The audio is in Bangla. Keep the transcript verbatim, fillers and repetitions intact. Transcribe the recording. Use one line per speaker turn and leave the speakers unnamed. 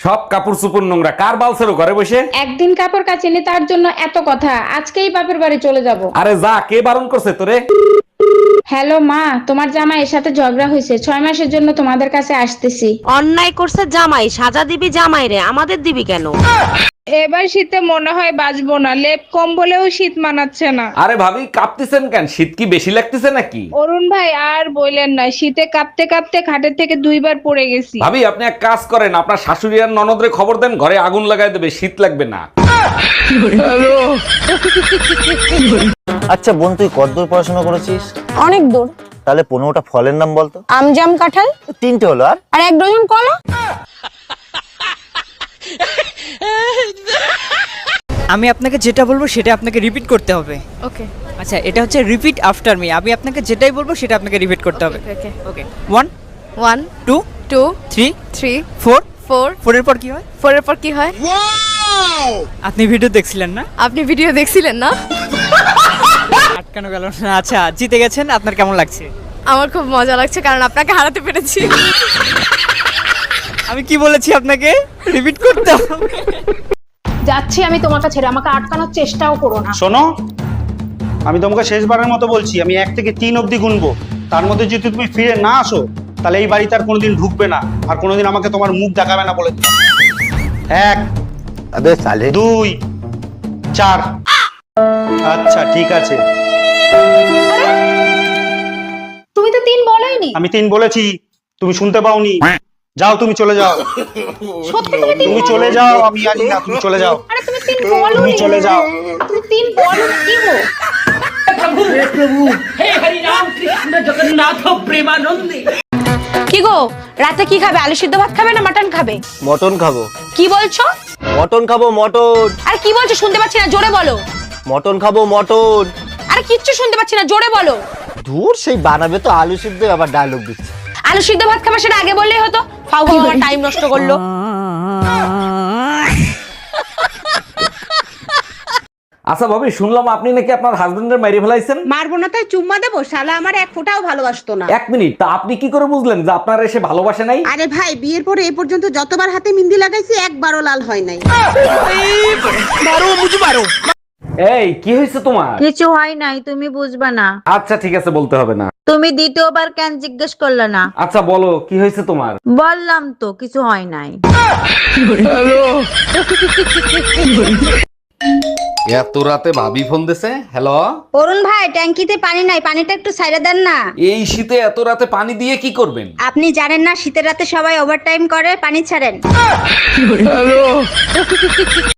সব কাপড় চোপড় নোংরা, কার বালছেরো ঘরে বসে?
একদিন কাপড় কাচিনি তার জন্য এত কথা, আজকেই বাপের বাড়ি চলে যাব।
আরে যা, কে বারণ করছে তোরে?
হ্যালো মা, তোমার জামাইয়ের সাথে ঝগড়া হয়েছে, ছয় মাসের জন্য তোমাদের কাছে আসতেছি।
অন্যায় করছে জামাই, সাজা দিবি জামাই রে, আমাদের দিবি কেন?
এবার শীতে মনে হয় বাঁচবো না, লেপ কম্বলেও শীত মানাচ্ছে না।
আরে ভাবি কাঁপতেছেন কেন? শীত কি বেশি লাগতেছে নাকি?
অরুণ ভাই আর বললেন না, শীতে কাঁপতে কাঁপতে খাটের থেকে দুইবার পড়ে গেছি।
ভাবি আপনি এক কাজ করেন, আপনার শাশুড়ি আর ননদরে খবর দেন, ঘরে আগুন লাগাই দেবে, শীত লাগবে না।
আচ্ছা বোন, তুই কতদূর পড়াশোনা করেছিস?
অনেক দূর।
তাহলে পনেরোটা ফলের নাম বলতো।
আম, জাম, কাঁঠাল,
তিনটে হলো, আর
আর এক ডজন কলা।
আমি আপনাকে যেটা বলবো সেটা আপনাকে রিপিট করতে হবে।
ওকে
আচ্ছা, এটা হচ্ছে রিপিট আফটার মি। আমি আপনাকে যেটাই বলবো সেটা আপনাকে রিপিট করতে হবে।
Okay
okay, one
one
two
two
three
three
four.
Four
ফোরের পর কি হয়?
ফোরের পর কি হয়?
আপনি ভিডিও দেখছিলেন না?
আপনি ভিডিও দেখছিলেন না?
আটকানো গেল না। আচ্ছা, জিতে গেছেন, আপনার কেমন লাগছে?
আমার খুব মজা লাগছে, কারণ আপনাকে হারাতে পেরেছি।
আমি কি বলেছি আপনাকে? রিপিট করতে হবে।
যাচ্ছি আমি তোমার কাছে, আমাকে আটকানোর চেষ্টাও করো না।
শোনো, আমি তোমাকে শেষবারের মতো বলছি, আমি এক থেকে তিন অবধি গুনবো, তার মধ্যে যদি তুমি ফিরে না আসো তাহলে এই বাড়িতে আর কোনোদিন ঢুকবে না, আর কোনোদিন আমাকে তোমার মুখ দেখাবে না বলে দিলাম। এক,
আবে সালে
দুই, চার। আচ্ছা ঠিক আছে,
তুমি তো তিন বলোইনি।
আমি তিন বলেছি, তুমি শুনতে পাওনি। যাও, তুমি চলে যাও।
সত্যি তুমি তিন
তুমি
বলো?
চলে যাও, আমি জানি না, তুমি চলে যাও।
আরে তুমি তিন বলো,
তুমি চলে যাও।
তুমি তিন বলো কি গো?
কি গো, রাতে কি খাবে? আলু সিদ্ধ ভাত খাবে না মাটন খাবে?
মটন খাবো।
কি বলছো?
মটন খাবো, মটন।
আর কি বলছো শুনতে পাচ্ছি না, জোরে বলো।
মটন খাবো, মটন।
আর কিচ্ছু শুনতে পাচ্ছি না, জোরে বলো।
দূর, সেই বানাবে তো আলু সিদ্ধ, আবার ডায়লগ দিচ্ছে।
আলু সিদ্ধ ভাত খাবে, সেটা আগে বললেই হতো। ফাউ ফাউ আমার টাইম নষ্ট করলো।
আচ্ছা ভাবি, শুনলাম আপনি নাকি আপনার হাজবেন্ডের মেরে ফেলাইছেন।
মারবো না তাই চুম্মা দেবো? শালা আমার এক ফোঁটাও ভালোবাসতো না।
এক মিনিট, তা আপনি কি করে বুঝলেন যে আপনার এসে ভালোবাসে নাই?
আরে ভাই, বিয়ের পরে এ পর্যন্ত যতবার হাতে মিন্দি লাগাইছি একবারও লাল হয় নাই।
এই কি হয়েছে তোমার?
কিছু হয় নাই, তুমি বুঝবা না।
আচ্ছা ঠিক আছে, বলতে হবে না।
তুমি দ্বিতীয়বার কেন জিজ্ঞেস করলে না?
আচ্ছা বলো, কি হয়েছে তোমার?
বললাম তো কিছু হয় নাই।
এত রাতে ভাবি ফোন দিছে। হ্যালো
অরুণ ভাই, ট্যাঙ্কিতে পানি নাই, পানিটা একটু সাইডে দেন না।
এই শীতে এত রাতে পানি দিয়ে কি করবেন?
আপনি জানেন না শীতের রাতে সবাই ওভারটাইম করে, পানি ছাড়েন।